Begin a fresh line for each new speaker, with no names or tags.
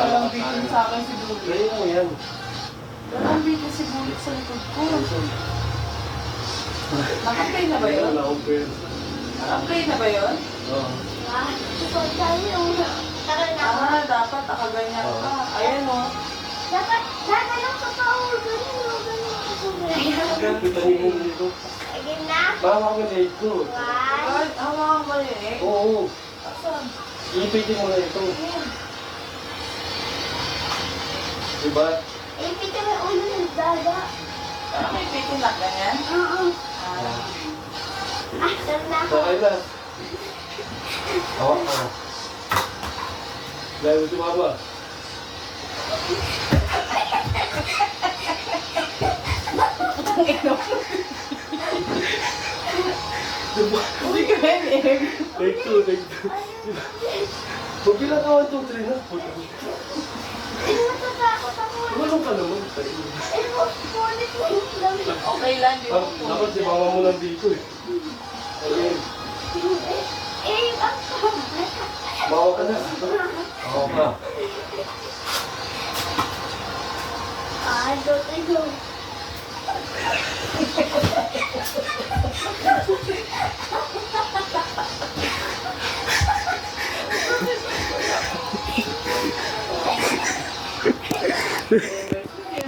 Walang bitin sa akin si Bulit.
Ngayon lang yan.
Walang bitin si Bulit sa likod ko. Naka-play na ba yun? Naka-play na ba yun?
Oo.
Dapat nakaganyan ka. Ayan o.
Dapat lang sa pao. Ganun.
Kita niyo yung dito.
Again na.
Bawa ko na ito.
One.
Hawakan mo yun eh.
Oo.
Asan?
Ipitin mo na ito. Diba?
Ipita mo ulo ng dada.
Parang may bitin na ganyan.
Oo.
Ah.
Sarap na ako.
Sakay na. Hawak ka. Dahil ito mama.
Hindi ka rin eh.
Take two. Huwag bilang ka 1, 2, 3 na.
Ay, matatakot ako.
Tulong ka naman.
Ay, ulit mo yung dami.
Okay lang, di ba?
Dapat si mama mo lang dito eh. Ayun.
Eh, ang
Bawa ka na. Bawa ka.
ito.